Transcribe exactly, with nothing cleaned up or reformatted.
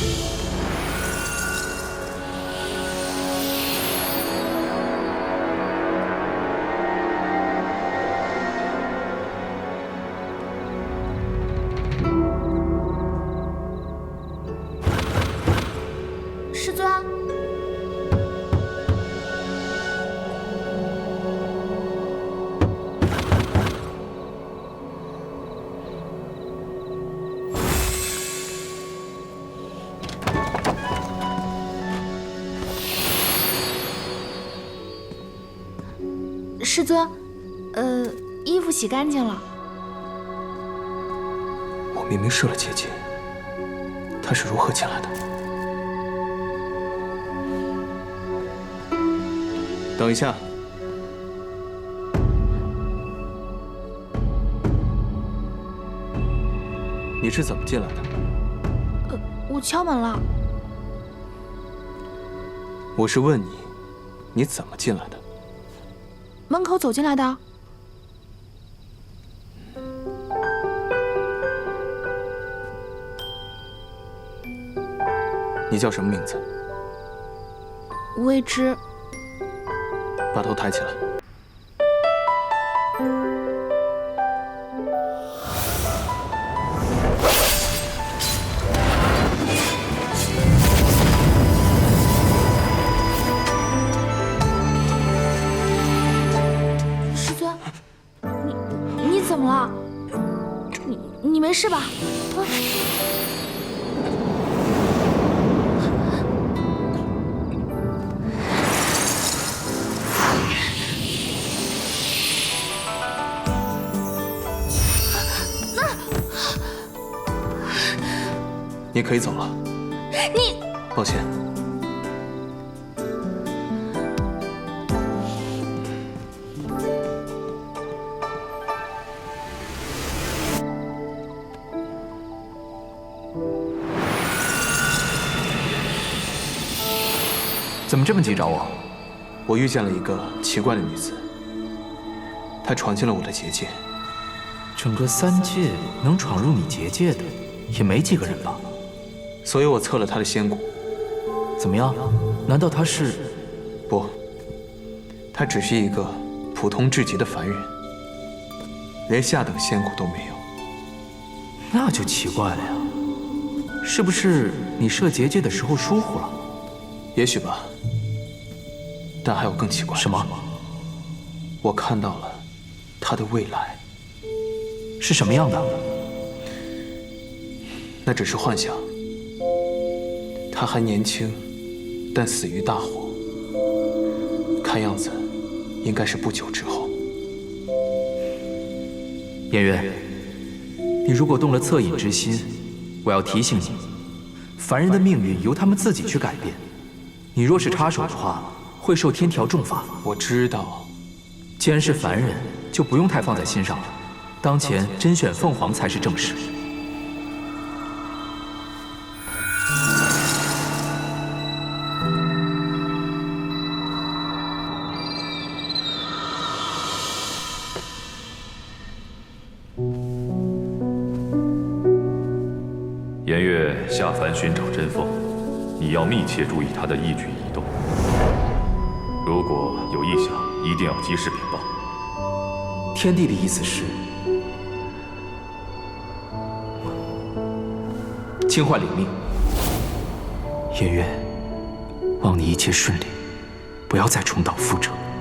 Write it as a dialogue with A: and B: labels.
A: 师尊，师尊，呃，衣服洗干净了。
B: 我明明设了结界，他是如何进来的？ 等一下，你是怎么进来的？
A: 呃，我敲门了。
B: 我是问你，你怎么进来的？
A: 门口走进来的。
B: 你叫什么名字？
A: 未知。
B: 把头抬起来。
A: 师尊，你你怎么了？你你没事吧？啊
B: 你可以走了。
A: 你，
B: 抱歉。
C: 怎么这么急找我？
B: 我遇见了一个奇怪的女子，她闯进了我的结界。
C: 整个三界能闯入你结界的，也没几个人吧？
B: 所以我测了他的仙骨，
C: 怎么样？难道他是？
B: 不，他只是一个普通至极的凡人，连下等仙骨都没有。
C: 那就奇怪了呀，是不是你设结界的时候疏忽了？
B: 也许吧，但还有更奇怪的。
C: 什么？
B: 我看到了他的未来。
C: 是什么样的？
B: 那只是幻想。 他还年轻，但死于大火。看样子，应该是不久之后。
C: 颜渊，你如果动了恻隐之心，我要提醒你，凡人的命运由他们自己去改变。你若是插手的话，会受天条重罚。
B: 我知道，
C: 既然是凡人，就不用太放在心上了。当前甄选凤凰才是正事。
D: 颜月下凡寻找真凤，你要密切注意她的一举一动。如果有异响，一定要及时禀报。
C: 天帝的意思是，青幻领命。颜渊，望你一切顺利，不要再重蹈覆辙。